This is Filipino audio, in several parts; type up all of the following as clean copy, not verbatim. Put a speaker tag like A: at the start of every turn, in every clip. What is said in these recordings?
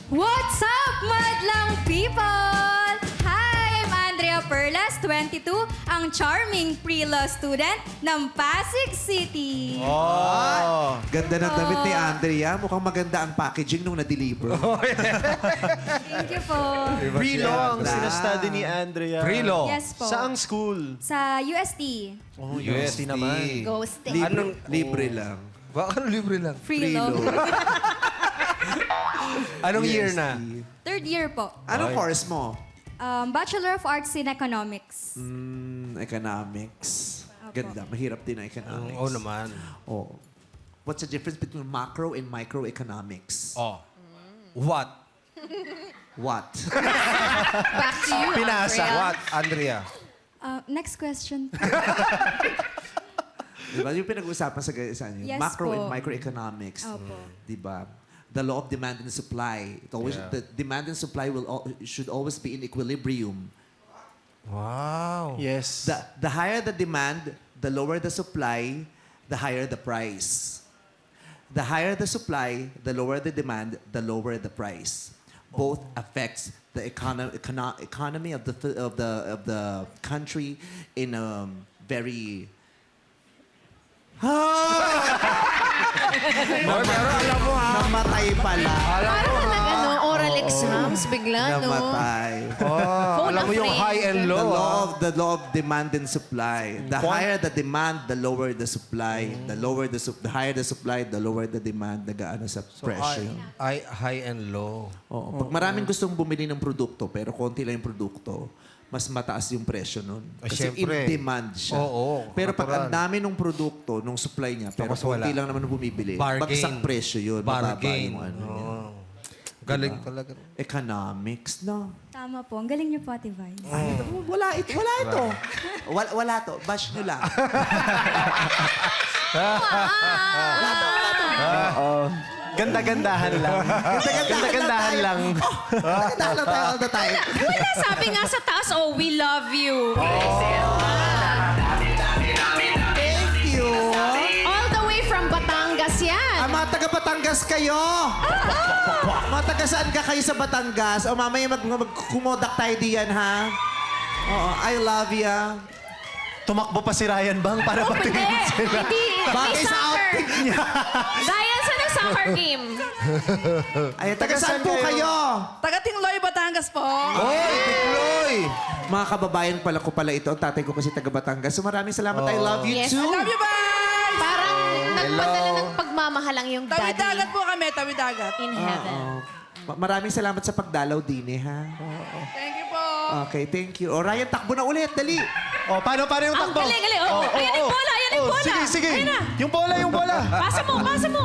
A: What's up, madlang people? Hi, I'm Andrea Perlas, 22, ang charming pre-law student ng Pasig City.
B: Oh.
C: Ganda ng damit ni Andrea. Mukhang maganda ang packaging nung na-deliver.
A: Thank you po.
B: Pre-law ang
C: Siya.
B: sinastudy ni Andrea.
D: Pre-law?
A: Yes po.
B: Saang school?
A: Sa UST.
B: Oh, UST naman.
A: Ghosting.
C: Libre lang.
D: Baka libre lang.
A: Free law.
D: Anong year na?
A: Third year po.
C: Anong course mo?
A: Bachelor of Arts in Economics.
C: Economics. Ganda. Mahirap din ang economics.
D: Oo naman.
C: Oh. What's the difference between macro and microeconomics?
D: Oh. What?
C: What?
A: Back to you,
B: Pinasa.
A: Andrea.
D: What, Andrea?
A: Next question.
C: Diba? Yung pinag-uusapan sa inyo.
A: Yes
C: Macro
A: po.
C: and microeconomics.
A: Opo.
C: Diba? The law of demand and supply. It always, The demand and supply should always be in equilibrium.
D: Wow.
B: Yes.
C: The higher the demand, the lower the supply, the higher the price. The higher the supply, the lower the demand, the lower the price. Both affects the economy of the country in a very
D: Pero alam mo ha.
C: namatay pala.
E: Parang ano, oral exams, bigla, no?
C: Namatay.
E: Phone
D: Alam mo yung
E: a friend.
D: high and low.
C: The law of demand and supply. The higher the demand, the lower the supply. The higher the supply, the lower the demand. Nagaano sa presyo.
D: High and low.
C: Oo. Pag maraming gustong bumili ng produkto, pero konti lang yung produkto, mas mataas yung presyo nun. Kasi
D: syempre.
C: in demand siya.
D: Oo,
C: pero pag ang
D: natural.
C: dami ng produkto, nung supply niya, pero
D: Tapos
C: konti
D: wala.
C: lang naman ang bumibili,
D: Bargain.
C: bagsak presyo yun. Mababa
D: Bargain.
C: yung ano niya.
D: Oo. Galing talaga.
C: Economics, no?
A: Tama po. Ang galing niyo po, Ate Vice.
C: Wala ito. Wala to. Bash nyo lang.
B: Ganda-gandahan lang. Ganda-gandahan lang.
C: Ganda lang tayo all the time.
E: Wala, sabi nga sa taas, oh, we love you.
C: Thank you.
E: All the way from Batangas yan.
C: Mga taga Batangas kayo. Mga taga saan ka kayo sa Batangas? O mamaya magkumodak tayo diyan, ha? Oo, I love ya.
B: Tumakbo pa si Ryan Bang para
E: Oh, hindi.
B: patingin sila.
E: Hindi.
C: Bagay
E: May
C: sa
E: soccer.
C: outfit niya.
E: Ryan, saan ang soccer game?
C: Ay, taga saan po kayo?
F: Taga Tingloy, Batangas po.
C: Oy, Tikloy! Mga kababayan pala ko pala ito. Ang tatay ko kasi taga Batangas. So maraming salamat. I love you
E: Yes,
C: too.
E: I
F: Love you, bye!
E: Parang nagpadala ng pagmamahalang yung daddy
F: Tawid-dagat po kami, tawid-dagat.
E: in heaven.
C: Maraming salamat sa pagdalaw din ha.
F: Thank you po.
C: Okay, thank you. O Ryan, takbo na ulit. Dali.
B: Oh, paano yung
E: Ang
B: takbo?
E: galing. Oh, ayan yung bola, ayan yung bola.
B: Sige.
E: Ayan na.
B: Yung bola.
E: Pasa mo.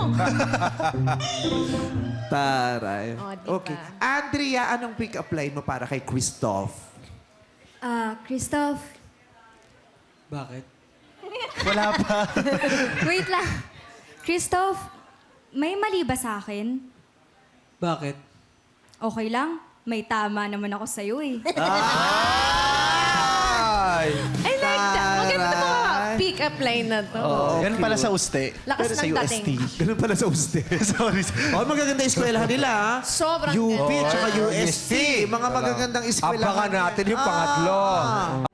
C: Taray.
E: Oh, diba?
C: Okay. Andrea, anong pick-up line mo para kay Christoph?
A: Christoph,
F: Bakit?
B: Wala pa.
A: wait lang. Christoph, may mali ba sa akin?
F: Bakit?
A: Okay lang. May tama naman ako sa'yo eh.
D: Ay!
E: I like that. Maganda
C: Taray.
E: mga pick-up line na to.
B: Yan pala sa uste.
E: Lakas
B: Pero sa
E: ng
B: UST.
E: dating.
C: Ganun pala sa UST.
B: Sorry.
C: Oh, magaganda eskwelahan nila, ha?
E: Sobrang
C: UP
E: ganda.
C: at UST. Mga magagandang eskwelahan.
D: Abangan natin yung pangatlo.